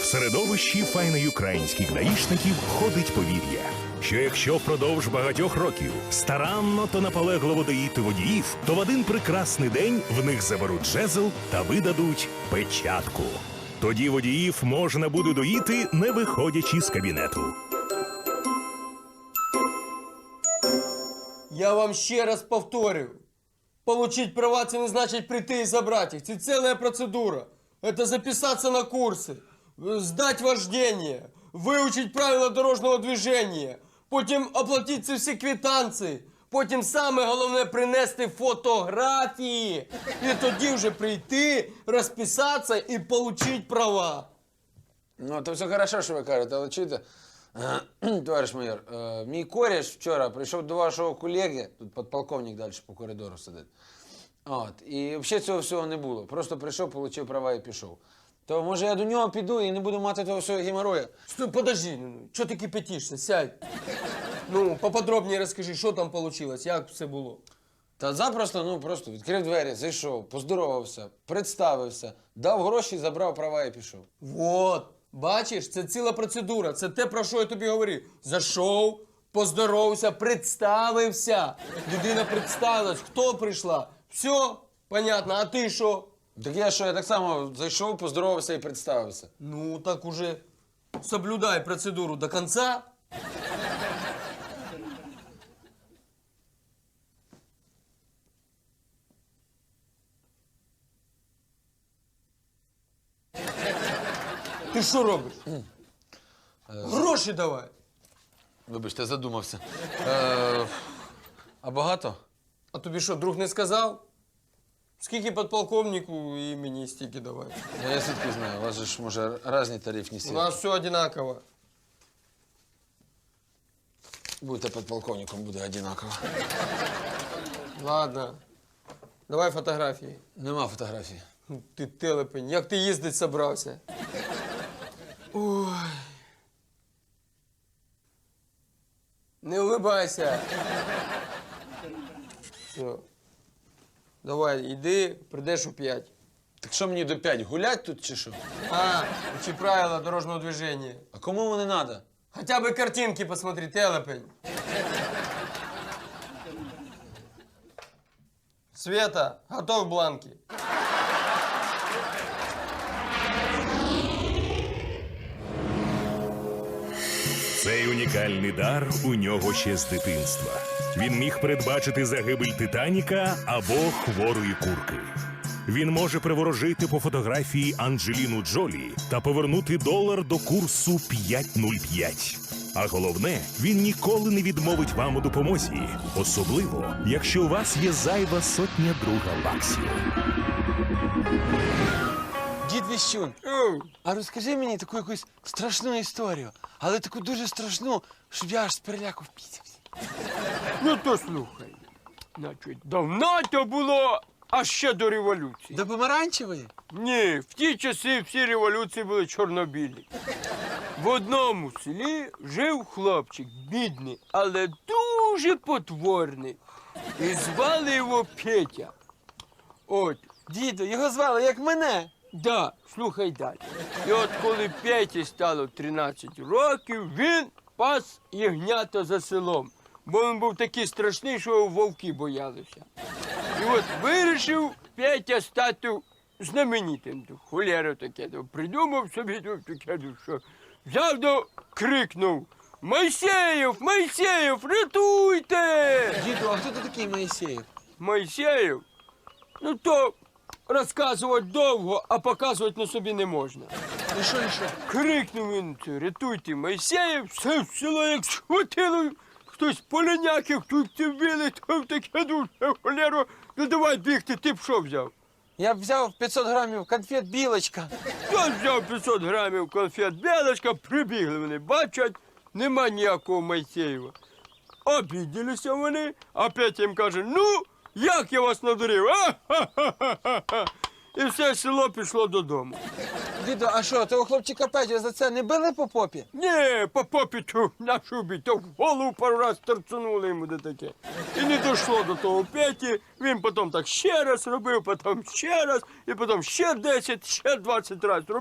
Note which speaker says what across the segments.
Speaker 1: В середовищі файноюкраїнських даїшників ходить повір'я, що якщо впродовж багатьох років старанно та наполегливо доїти водіїв, то в один прекрасний день в них заберуть жезл та видадуть печатку. Тоді водіїв можна буде доїти, не виходячи з кабінету.
Speaker 2: Я вам ще раз повторю. Получить права – це не значить прийти і забрати їх. Це ціла процедура. Это записаться на курси, сдать вождение, выучить правила дорожнього движения, потім оплатити ці всі квитанції, потім саме головне принести фотографії. І тоді вже прийти, розписатися і отримати права.
Speaker 3: Ну, то все хорошо, що ви кажете, але чуєте, товариш майор, мій кореш вчора прийшов до вашого колеги, тут підполковник далі по коридору сидить. От, і взагалі цього всього не було. Просто прийшов, отримав права і пішов. То може я до нього піду і не буду мати того всього геморроя?
Speaker 2: Стой, подожди, що ти кипятишся, сядь. Ну, поподробніше розкажи, що там вийшло, як все було.
Speaker 3: Та запросто, ну, просто відкрив двері, зайшов, поздоровався, представився, дав гроші, забрав права і пішов.
Speaker 2: Вот, бачиш, це ціла процедура, це те, про що я тобі говорив. Зайшов, поздоровався, представився. Людина представилась, хто прийшла. Все, понятно, а ти що?
Speaker 3: Так я так само зайшов, поздоровався і представився.
Speaker 2: Ну, так уже соблюдай процедуру до конца. Ти що робиш? Гроші давай.
Speaker 3: Вибачте, задумався. А багато?
Speaker 2: А тобі що, друг не сказав? Скільки підполковнику і мені стільки давай.
Speaker 3: Ну, я звідки знаю, у вас же ж, може, різні тарифні
Speaker 2: У
Speaker 3: сітки.
Speaker 2: нас все одинаково.
Speaker 3: Будете підполковником, буде одинаково.
Speaker 2: Ладно. Давай фотографії.
Speaker 3: Нема фотографії.
Speaker 2: Ти телепень, як ти їздить собрався? Ой. Не улыбайся. Все. Давай, іди, прийдеш у 5.
Speaker 3: Так що мені до 5, гулять тут чи що?
Speaker 2: Учи правила дорожного движения.
Speaker 3: А кому вони надо?
Speaker 2: Хотя бы картинки посмотри, телепень. Света, готов бланки.
Speaker 1: Цей унікальний дар у нього ще з дитинства. Він міг передбачити загибель Титаніка або хворої курки. Він може приворожити по фотографії Анджеліну Джолі та повернути долар до курсу 5.05. А головне, він ніколи не відмовить вам у допомозі. Особливо, якщо у вас є зайва сотня друга баксів.
Speaker 3: Дід Віщун, а розкажи мені таку якусь страшну історію, але таку дуже страшну, щоб я аж з переляку впісявся.
Speaker 2: Ну то слухай. Значить, давно то було, а ще до революції.
Speaker 3: До помаранчевої?
Speaker 2: Ні, в ті часи всі революції були чорнобілі. В одному селі жив хлопчик, бідний, але дуже потворний. І звали його Петя. От,
Speaker 3: Діду, його звали, як мене.
Speaker 2: да, слухай далі. І от коли Петі стало 13 років, він пас ягнята за селом. Бо він був такий страшний, що його вовки боялися. І от вирішив Петя стати знаменитим. Холєра таке, придумав собі таке, що взяв до крикнув: «Мойсеєв, Мойсеєв, рятуйте!»
Speaker 3: Діду, а хто ти такий Моїсеєв?
Speaker 2: Мойсеєв? Ну то розказувати довго, а показувати на собі не можна.
Speaker 3: І що?
Speaker 2: Крикнув він: «Рятуйте, Мойсеєв!» Все село як схватило. Хтось поляняків, хтось вбили, то таке дуже холєро. Ну давай бігти, ти б що взяв?
Speaker 3: Я б взяв 500 грамів конфет «Білочка».
Speaker 2: Я взяв 500 грамів конфет «Білочка», прибігли вони, бачать, нема ніякого Мойсеєва. Обіділися вони, а Петя їм каже: «Ну, як я вас надурив, а? І все село пішло додому.
Speaker 3: Діду, а що, того хлопчика Петю за це не били по попі?
Speaker 2: Ні, по попіту на шубі, то в голову пару раз торцунули йому до таке. І не дійшло до того Петі, він потім так ще раз робив, потім ще раз, і потім ще 10, ще 20 разів робив,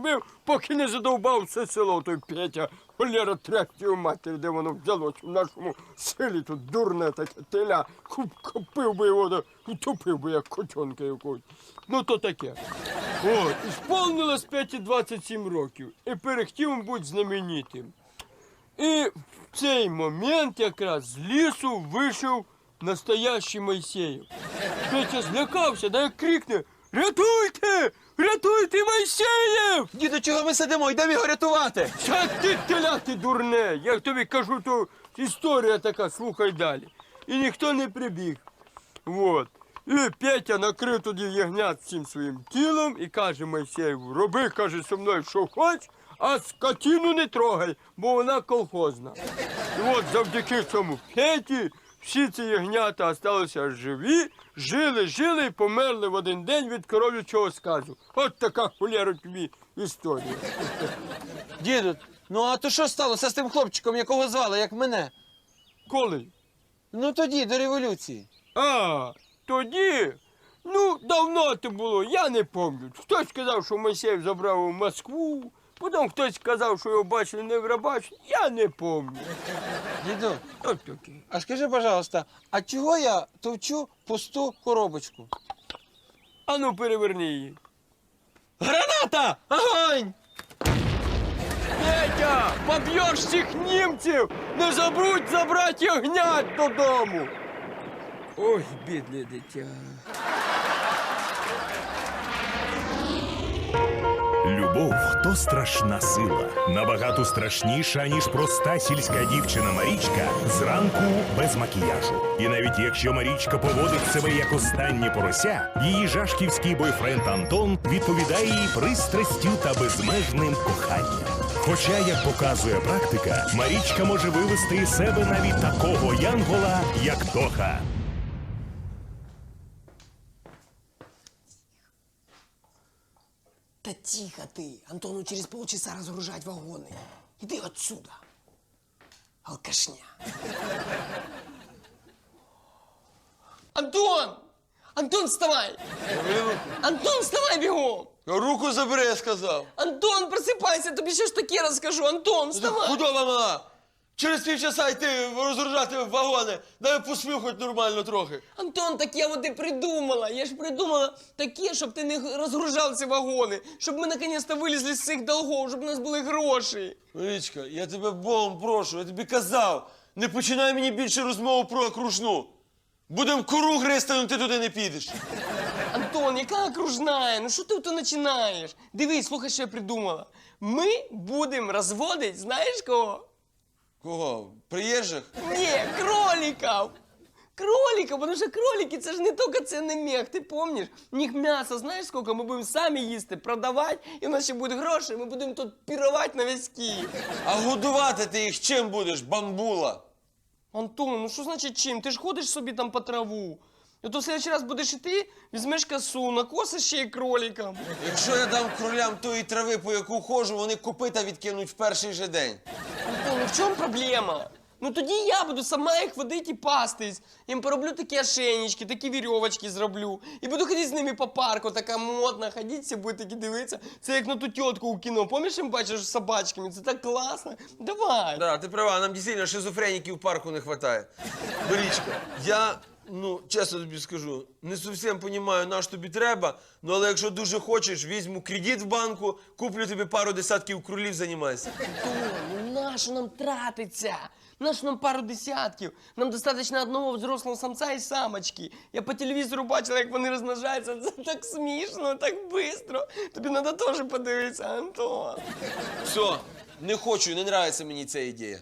Speaker 2: поки не задовбав все село, той Петя, холєра трястю матері, де воно взялось в нашому селі, тут дурне таке теля, купив би його, утопив би, як котенка якогось. Ну, то таке. От, і сповнилось Петі 27 років, і перехтів бути знаменитим. І в цей момент якраз з лісу вийшов настоящий Мойсеєв. Петя злякався, да як крикне: «Рятуйте! Рятуйте, Мойсеєв!»
Speaker 4: Діду, чого ми сидимо? Йдемо його рятувати.
Speaker 2: Та ти теля, ти дурне! Я тобі кажу, то історія така, слухай далі. І ніхто не прибіг. Вот. І Петя накрив тоді ягнят всім своїм тілом і каже Мойсеєву: роби, каже, зі мною, що хоч, а скотину не трогай, бо вона колхозна. І от завдяки цьому Петі всі ці ягнята залишилися живі, жили і померли в один день від коров'ячого сказу. От така, холєра, тобі історія.
Speaker 4: Діду, ну а то що сталося з тим хлопчиком, якого звали, як мене?
Speaker 2: Коли?
Speaker 4: Ну тоді, до революції.
Speaker 2: А, тоді? Ну, давно це було, я не пам'ятаю. Хтось сказав, що Мойсеєв забрав у Москву, потім хтось сказав, що його бачили не в Рабачі, я не пам'ятаю.
Speaker 4: Діду,
Speaker 2: От таке.
Speaker 4: а скажи, пожалуйста, а чого я товчу пусту коробочку?
Speaker 2: А ну, переверни її.
Speaker 4: Граната! Огонь!
Speaker 2: Петя, поб'єш всіх німців, не забудь забрати ягнят додому. Ой, бідне дитя.
Speaker 1: Любов то страшна сила, набагато страшніша, ніж проста сільська дівчина Марічка зранку без макіяжу. І навіть якщо Марічка поводить себе як останнє порося, її жашківський бойфренд Антон відповідає їй пристрастю та безмежним коханням. Хоча, як показує практика, Марічка може вивести із себе навіть такого янгола, як Тоха.
Speaker 5: Да тихо ты. Антону через полчаса разгружать вагоны. Иди отсюда. Алкашня. Антон! Антон, вставай! Антон, вставай бегом!
Speaker 4: Руку забери, я сказав.
Speaker 5: Антон, просыпайся, тобі ще ж таке розкажу. Антон, вставай!
Speaker 4: Худоба мала! Через півчаса йти розгружати вагони. Дай посмів хоч нормально трохи.
Speaker 5: Антон, так я вот и придумала. Я ж придумала таке, щоб ти не розгружав ці вагони. Щоб ми наконец-то вилізли з цих долгов, щоб у нас були гроші.
Speaker 4: Марічка, я тебе Богом прошу, я тобі казав, не починай мені більше розмову про окружну. Будем кору гризти, але ти туди не підеш.
Speaker 5: Антон, яка окружная? Ну що ти то починаєш? Дивись, слухай, що я придумала. Ми будемо розводити, знаєш кого?
Speaker 4: Кого? Приїжджих?
Speaker 5: Ні, кроликів. Кроликів, тому що кролики, це ж не тільки цінний мех, ти пам'ятаєш? У них м'ясо, знаєш скільки? Ми будемо самі їсти, продавати, і в нас ще будуть гроші, ми будемо тут пірувати на весь Київ.
Speaker 4: А годувати ти їх чим будеш, бамбула?
Speaker 5: Антон, ну що значить чим? Ти ж ходиш собі там по траву. І то в следующий раз будеш іти, візьмеш косу, накосиш ще й кроликам.
Speaker 4: Якщо я дам кролям тої трави, по яку ходжу, вони копита відкинуть в перший же день.
Speaker 5: Антон, ну в чому проблема? Ну тоді я буду сама їх водити і пастись. Їм пороблю такі ошейнички, такі вірьовочки зроблю. І буду ходити з ними по парку, така модна, ходити, всі будуть такі дивитися. Це як на ту тітку у кіно. Пам'ятаєш, їм бачиш з собачками? Це так класно. Давай.
Speaker 4: Да, ти права, нам дійсно шизофреніків в парку не вистачає. Борічка, я, ну, чесно тобі скажу, не зовсім розумію, на що тобі треба, ну, але якщо дуже хочеш, візьму кредит в банку, куплю тобі пару десятків кролів, займайся.
Speaker 5: Антон, ну нащо нам тратиться? Нащо нам пару десятків? Нам достатньо одного взрослого самця і самочки. Я по телевізору бачила, як вони розмножаються. Це так смішно, так швидко. Тобі треба теж подивитися, Антон.
Speaker 4: Все, не хочу, не подобається мені ця ідея.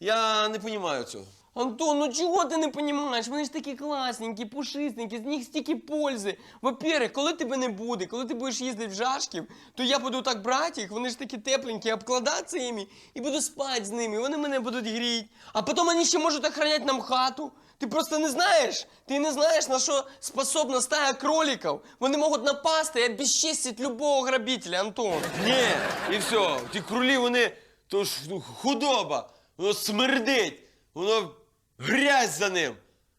Speaker 4: Я не розумію цього.
Speaker 5: Антон, ну чого ти не розумієш? Вони ж такі класненькі, пушистенькі, з них стільки пользи. Во-первых, коли тебе не буде, коли ти будеш їздити в Жашків, то я буду так брати їх, вони ж такі тепленькі, обкладатися їми і буду спати з ними, вони мене будуть гріти. А потім вони ще можуть охороняти нам хату. Ти просто не знаєш? Ти не знаєш, на що способна стая кроликів. Вони можуть напасти і обезчестити любого грабителя, Антон.
Speaker 4: Ні, і все, ті кролі, вони, то ж, ну, худоба, воно смердить, воно грязь за ним.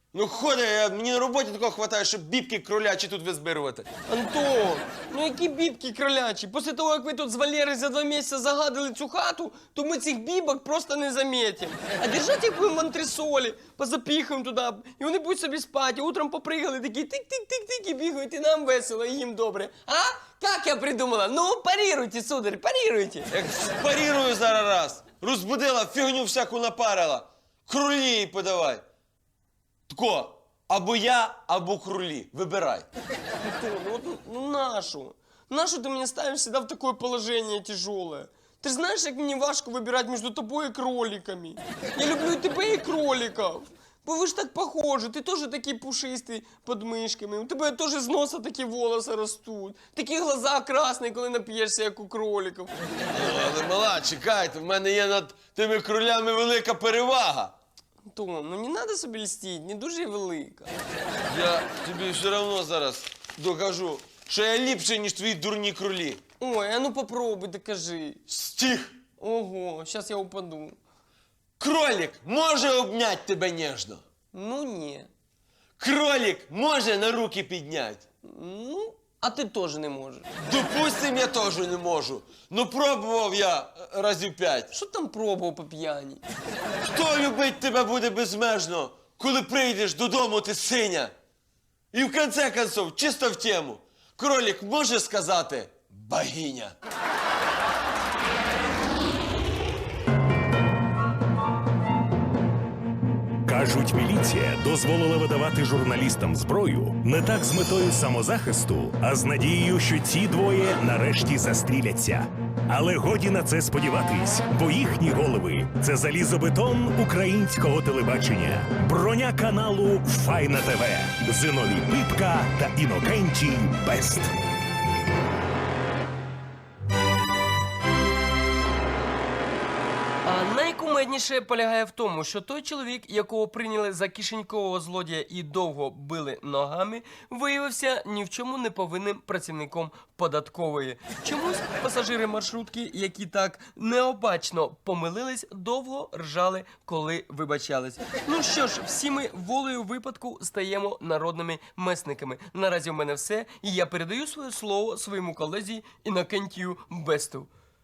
Speaker 4: Ну ходи, мені на роботі такого хватає, щоб бібки кролячі тут визбирувати.
Speaker 5: Антон, ну які бібки кролячі? Після того, як ви тут з Валерою за 2 місяці загадили цю хату, то ми цих бібок просто не замітимо. А держать їх будемо в антресолі, позапіхаємо туди, і вони будуть собі спати, утром попригали, такі тик-тик-тик-тик і бігають, і нам весело, і їм добре. А? Як я придумала? Ну, парируйте, сударь, парируйте.
Speaker 4: Як спарірую зараз раз. Розбудила, фігню всяку напарила. Крулі їй подавай. Тако, або я, або крулі. Вибирай.
Speaker 5: Антон, ну нашу? Нашу ты меня ставишь всегда в такое положение тяжелое? Ты же знаешь, как мне важко выбирать между тобой и кроликами. Я люблю и тебя, и кроликов. Вы же так похожи, ты тоже такие пушистые под мышками. У тебя тоже из носа такие волосы растут. Такие глаза красные, коли нап'єшся, як у кроликів.
Speaker 4: Але, мала, чекайте, в мене є над тими кролями велика перевага.
Speaker 5: Антон, ну не надо собі льстить, не дуже і велика.
Speaker 4: Я тобі все одно зараз докажу, що я ліпший, ніж твої дурні кролі.
Speaker 5: Ой, а ну попробуй, докажи.
Speaker 4: Стих!
Speaker 5: Ого, сейчас я упаду.
Speaker 4: Кролик може обнять тебе ніжно.
Speaker 5: Ну не.
Speaker 4: Кролик може на руки підняти.
Speaker 5: Ну, а ти теж не можеш.
Speaker 4: Допустим, я теж не можу. Ну пробував я разів 5.
Speaker 5: Що там пробував по п'яні?
Speaker 4: Хто любить тебе буде безмежно, коли прийдеш додому, ти синя? І в конце концов, чисто в тему, кролик може сказати богиня.
Speaker 1: Кажуть, міліція дозволила видавати журналістам зброю не так з метою самозахисту, а з надією, що ці двоє нарешті застріляться. Але годі на це сподіватись, бо їхні голови – це залізобетон українського телебачення, броня каналу Файна ТВ, Зиновій Пипка та Інокентій Бест.
Speaker 5: А найкумедніше полягає в тому, що той чоловік, якого прийняли за кишенькового злодія і довго били ногами, виявився ні в чому не повинним працівником податкової. Чомусь пасажири маршрутки, які так необачно помилились, довго ржали, коли вибачались. Ну що ж, всі ми волею випадку стаємо народними месниками. Наразі в мене все, і я передаю своє слово своєму колезі Інокентію Бесту.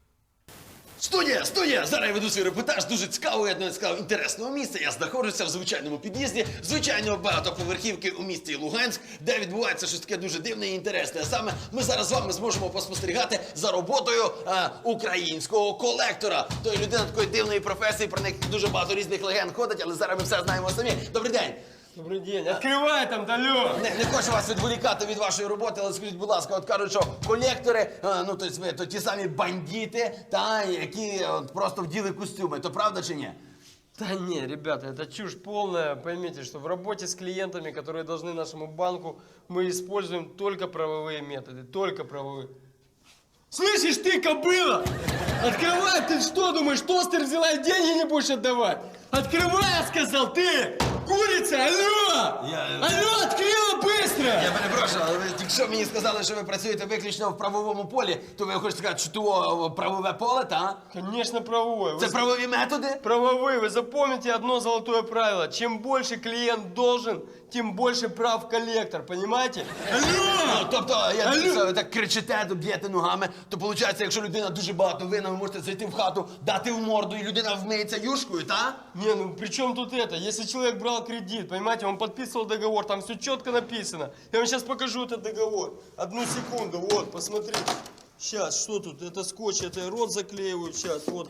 Speaker 6: Студія! Зараз я веду свій репортаж дуже цікавого, я б навіть сказав, інтересного місця. Я знаходжуся в звичайному під'їзді, звичайної багатоповерхівки у місті Луганськ, де відбувається щось таке дуже дивне і інтересне. А саме ми зараз з вами зможемо поспостерігати за роботою українського колектора. Тої людина такої дивної професії, про них дуже багато різних легенд ходить, але зараз ми все знаємо самі. Добрий день!
Speaker 5: Добрий день. Відкривай там, Далю!
Speaker 6: Не хочу вас відволікати від вашої роботи, але скажіть, будь ласка, от кажуть, що колектори, ну тобто ви, то ті самі бандити, та, які от, просто вділи костюми, то правда чи ні?
Speaker 5: Да не, ребята, это чушь полная. Поймите, что в работе с клиентами, которые должны нашему банку, мы используем только правовые методы. Только правовые. Слышишь ты, кобыла? Открывай, ты что думаешь, тостер взяла и деньги не будешь отдавать? Открывай, я сказал, ты! Курица, алло! Алло, открыла быстро!
Speaker 6: Я перепрошую, але ви тільки що мені сказали, що ви працюєте виключно в правовому полі, то ви хочете сказати, що то правове поле, та?
Speaker 5: Конечно, правовое.
Speaker 6: Це правові методи?
Speaker 5: Правовые. Вы запомните одно золотое правило. Чем больше клиент должен, тем больше прав коллектор. Понимаете?
Speaker 6: Ну, тобто, я дивлюся, ви так кричите, б'єте ногами, то виходить, якщо людина дуже багато винна, ви можете зайти в хату, дати в морду, і людина вмиється юшкою, та?
Speaker 5: Не, ну при чем тут это? Если человек брал кредит, понимаете, он подписывал договор, там все четко написано. Я вам сейчас покажу этот договор. Одну секунду, вот, посмотрите. Сейчас, что тут? Это скотч, это рот заклеивают сейчас, вот.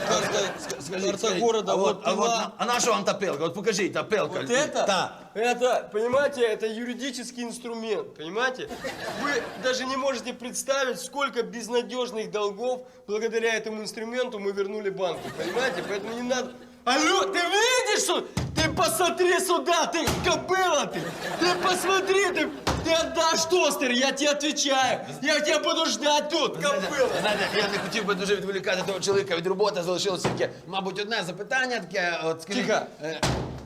Speaker 5: Карта города, вот, пила.
Speaker 6: А на що вам та пилка? От покажіть, та пилка.
Speaker 5: Вот это?
Speaker 6: Та.
Speaker 5: Это, понимаете, это юридический инструмент, понимаете? Вы даже не можете представить, сколько безнадежных долгов благодаря этому инструменту мы вернули банку, понимаете? Поэтому не надо... Алло, ты видишь, что? Ты посмотри сюда, ты кобыла ты! Ты посмотри, ты отдашь тостер, я тебе отвечаю! Я тебя буду ждать тут, кобыла!
Speaker 6: Знаєте, я не хотів би дуже відволікати того чоловіка від роботи, залишилося тільки, мабуть, одне запитання таке, от скажіть...
Speaker 5: Тихо.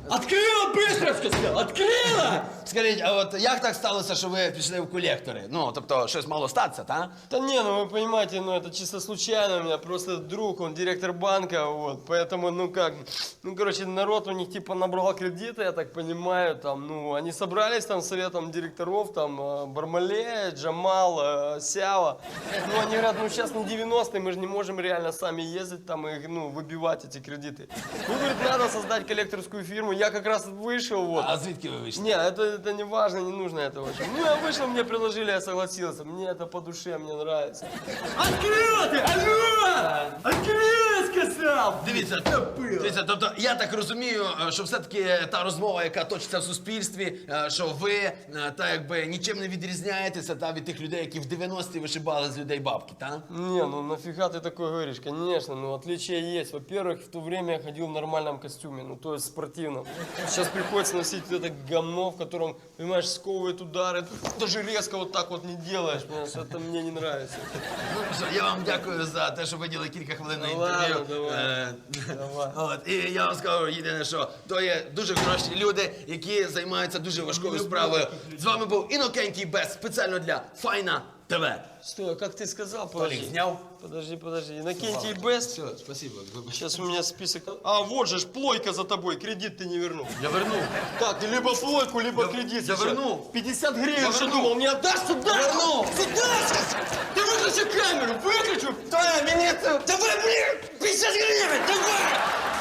Speaker 6: Открила, быстро сказав! Открила! Скажіть, а от як так сталося, що ви пішли в колектори? Ну, тобто, щось мало статися, та?
Speaker 5: Да не, ну вы понимаете, ну это чисто случайно, у меня просто друг, он директор банка, вот, поэтому, ну как, ну короче, народ у них типа набрал кредиты, я так понимаю, там, ну, они собрались там советом директоров, там, Бармале, Джамал, Сява, ну, они говорят, ну сейчас не 90-е, мы же не можем реально сами ездить там и, ну, выбивать эти кредиты. Ну, говорит, надо создать коллекторскую фирму, я как раз вышел, вот.
Speaker 6: А звідки ви вийшли?
Speaker 5: Не, это не важно, не нужно это очень. Ну, я вышел, мне предложили, я согласился. Мне это по душе, мне нравится. Открыл ты! Алло! Открыл, сказал!
Speaker 6: Дивіться, тобто, я так розумію, що все-таки та розмова, яка точиться в суспільстві, що ви, та якби, нічим не відрізняєтеся та, від тих людей, які в 90-ті вишибали з людей бабки, та?
Speaker 5: Не, ну нафига ты такое говоришь? Конечно, ну отличия есть. Во-первых, в то время я ходил в нормальном костюме, ну то есть спортивном. Сейчас приходится носить вот это говно, в котором, понимаешь, сковывает удары. Даже резко вот так вот не делаешь, понимаешь, это мне не нравится.
Speaker 6: Ну що, я вам дякую за те, що виділи кілька хвилин на інтерв'ю.
Speaker 5: Ладно, давай. Давай.
Speaker 6: От, і я вам скажу єдине, що то є дуже хороші люди, які займаються дуже важкою справою. З вами був Інокентій Бес, спеціально для Файна ТВ.
Speaker 5: Стой, а как ты сказал?
Speaker 6: Толік
Speaker 5: Подожди.
Speaker 6: зняв?
Speaker 5: Подожди. Иннокентий Бест.
Speaker 6: Все, спасибо. вибач.
Speaker 5: Сейчас у меня список. А, вот же ж плойка за тобой, кредит ты не вернул.
Speaker 6: Я вернув.
Speaker 5: Так, ты либо плойку, либо кредит.
Speaker 6: я
Speaker 5: сейчас.
Speaker 6: верну.
Speaker 5: 50 гривен,
Speaker 6: Я
Speaker 5: что
Speaker 6: верну.
Speaker 5: думал, не отдашь сюда?
Speaker 6: верну.
Speaker 5: Сюда! Ты выключи камеру, выключи!
Speaker 6: Та, мені це...
Speaker 5: Давай, блин, 50 гривен, давай!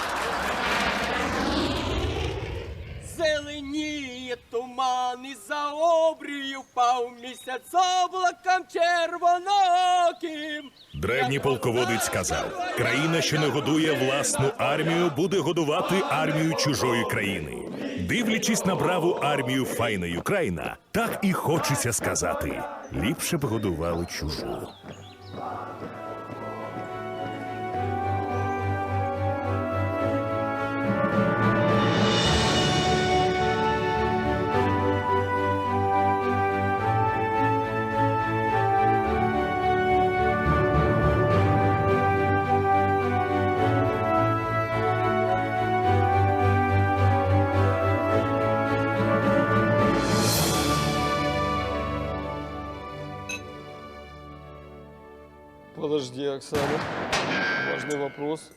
Speaker 5: Зеленіє туман і за обрію впав місяць облаком червоноким.
Speaker 1: Древній полководець сказав: країна, що не годує власну армію, буде годувати армію чужої країни. Дивлячись на браву армію файної Україна, так і хочеться сказати: ліпше б годували чужу.
Speaker 5: Подожди, Оксана. Важный вопрос.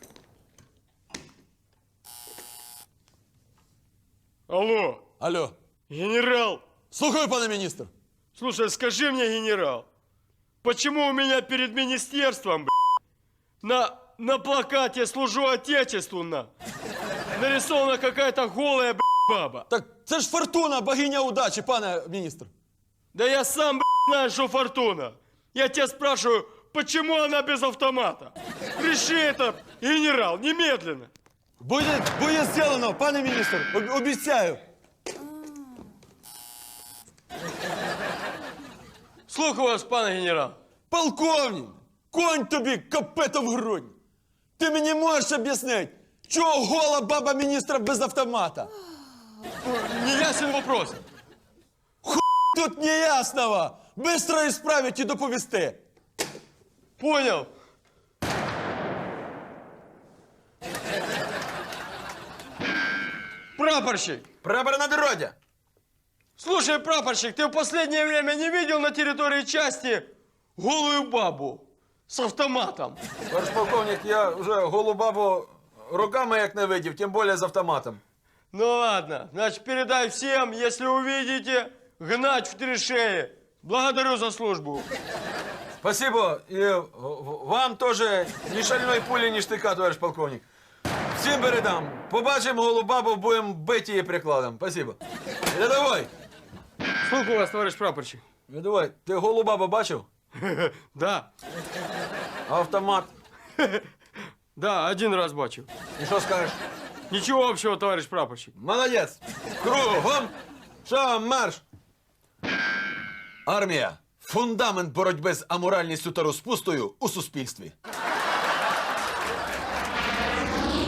Speaker 5: Алло,
Speaker 7: Алло.
Speaker 5: генерал!
Speaker 7: Слухаю, пане міністр.
Speaker 5: Слушай, скажи мне, генерал, почему у меня перед министерством, на плакате «Служу Отечеству» нарисована какая-то голая, баба?
Speaker 7: Так це ж Фортуна, богиня удачі, пане міністр.
Speaker 5: Да я сам, знаю, что Фортуна. Я тебя спрашиваю, почему она без автомата? Реши это, генерал, немедленно.
Speaker 7: Буде зроблено, пане міністр, обіцяю.
Speaker 5: Слухаю вас, пане генерал.
Speaker 7: Полковник, конь тобі копито в грудь. Ти мені можеш об'яснити, чого гола баба міністра без автомата?
Speaker 5: Неясен вопрос.
Speaker 7: Тут неясного. Бистро ісправить і доповісти.
Speaker 5: Понял. Прапорщик.
Speaker 7: Прапор на дорозі.
Speaker 5: Слушай, прапорщик, ты в последнее время не видел на территории части голую бабу с автоматом?
Speaker 8: Товариш полковник, я вже голу бабу руками як не видів, тим більше з автоматом.
Speaker 5: Ну ладно, значит, передай всем, если увидите, гнать в 3 шеи. Благодарю за службу.
Speaker 8: Спасибо. І вам теж ні шальної пулі, ні штика, товариш полковник. Всім передам. Побачимо голу бабу, будемо бити її прикладом. Спасибо. Рядовой,
Speaker 5: Слухаю вас, товарищ прапорщик.
Speaker 8: рядовой, ти голу бабу бачив?
Speaker 5: Да,
Speaker 8: А автомат?
Speaker 5: да, 1 раз бачив.
Speaker 8: І що скажеш?
Speaker 5: Ничего общего, товарищ прапорщик.
Speaker 8: Молодець. Кругом. Шагом марш.
Speaker 7: Армія – фундамент боротьби з аморальністю та розпустою у суспільстві.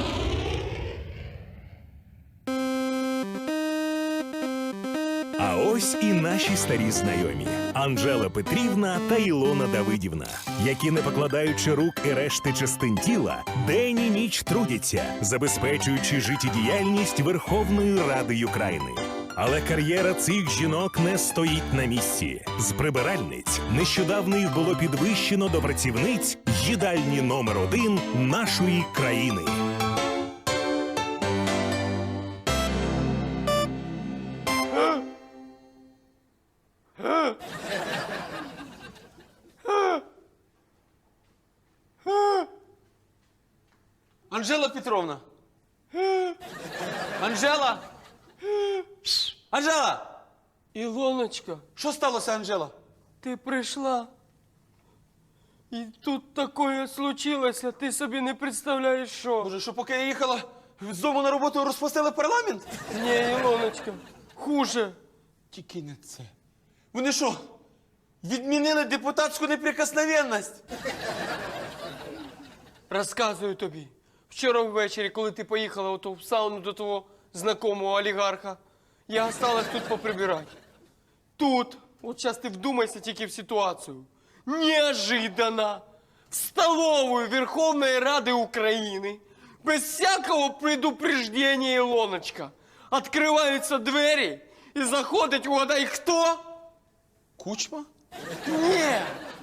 Speaker 1: А ось ось і наші старі знайомі Анжела Петрівна та Ілона Давидівна, які, не покладаючи рук і решти частин тіла, день і ніч трудяться, забезпечуючи життєдіяльність Верховної Ради України. Але кар'єра цих жінок не стоїть на місці. З прибиральниць нещодавно їх було підвищено до працівниць їдальні номер 1 нашої країни.
Speaker 8: Анжела Петровна! Анжела! Анжела!
Speaker 2: Ілоночка,
Speaker 8: Що сталося, Анжела?
Speaker 2: ти прийшла. І тут таке случилося, ти собі не представляєш, що.
Speaker 8: Боже, що поки я їхала з дому на роботу, розпустили парламент?
Speaker 2: Ні, Ілоночка, хуже.
Speaker 8: Тільки не це. Вони що, відмінили депутатську неприкосновенність?
Speaker 2: Розказую тобі. Вчора ввечері, коли ти поїхала ото в сауну до того знакомого олігарха, я осталась тут поприбирати. Тут, от зараз ти вдумайся тільки в ситуацію, неожиданно в столовую Верховної Ради України без всякого предупреждения, Ілоночка, відкриваються двері і заходить, угадай, хто?
Speaker 8: Кучма?
Speaker 2: Ні,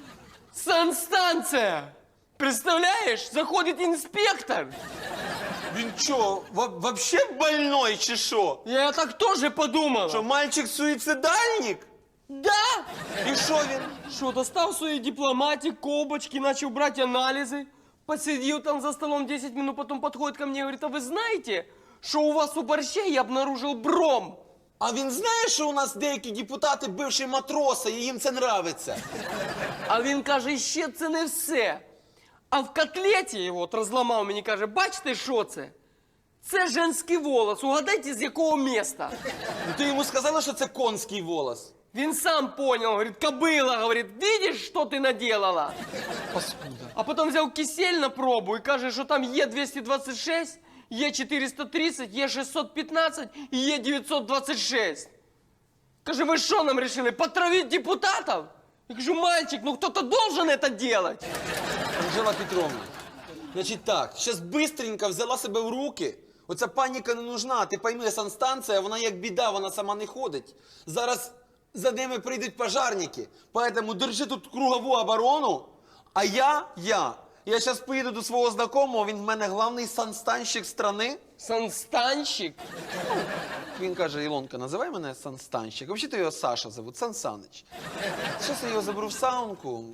Speaker 2: санстанція. Представляєш, заходить інспектор.
Speaker 8: Він що, вообще больной чи що?
Speaker 2: Я так теж подумала.
Speaker 8: Що, мальчик-суїцидальник?
Speaker 2: Да?
Speaker 8: І що він?
Speaker 2: Що, достав свої дипломатик, колбочки, начал брать анализы, посидел там за столом 10 минут, потом подходит ко мне и говорит, а вы знаете, что у вас у борщей я обнаружил бром?
Speaker 7: А він знає, що у нас деякі депутати бивші матроси, і їм це нравиться?
Speaker 2: А він каже, ще це не все. А в котлеті його от розламав мені, каже, бачите, що це? Це женський волос, угадайте, з якого міста?
Speaker 7: Ну ти йому сказала, що це конський волос?
Speaker 2: Він сам понял, говорит, кобыла, говорит, видишь, что ты наделала?
Speaker 8: Паскуда.
Speaker 2: А потом взял кисель на пробу и каже, что там Е226, Е430, Е615 и Е926. Каже, вы что нам решили, потравить депутатов? Я кажу, мальчик, ну кто-то должен это делать.
Speaker 7: Анжела Петровна, значить так, зараз бистренько взяла себе в руки. Оця паніка не нужна, ти пойми, санстанція, вона як біда, вона сама не ходить. Зараз за ними прийдуть пожарники, поэтому держи тут кругову оборону, а я зараз поїду до свого знакомого, він в мене главний санстанщик страни.
Speaker 2: Санстанщик?
Speaker 7: Він каже, Ілонка, називай мене санстанщик. Взагалі-то його Саша зовут, Сан Саныч. Зараз я його заберу в саунку.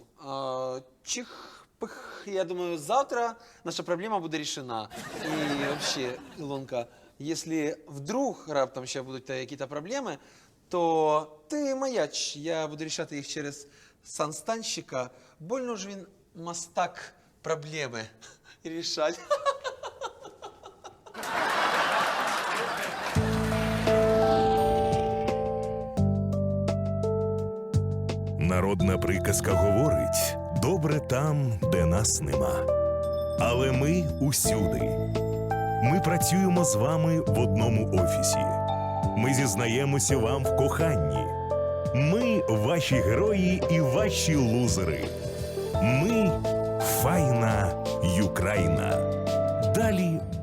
Speaker 7: Чих-пих, я думаю, завтра наша проблема буде рішена. І взагалі, Ілонка, якщо вдруг раптом ще будуть якісь проблеми, то ти маяч, я буду рішати їх через санстанщика. Больно ж він мастак проблеми рішать.
Speaker 1: Народна приказка говорить: добре там, де нас нема. Але ми усюди. Ми працюємо з вами в одному офісі. Ми зізнаємося вам в коханні. Ми ваші герої і ваші лузери. Ми файна Юкраїна. Далі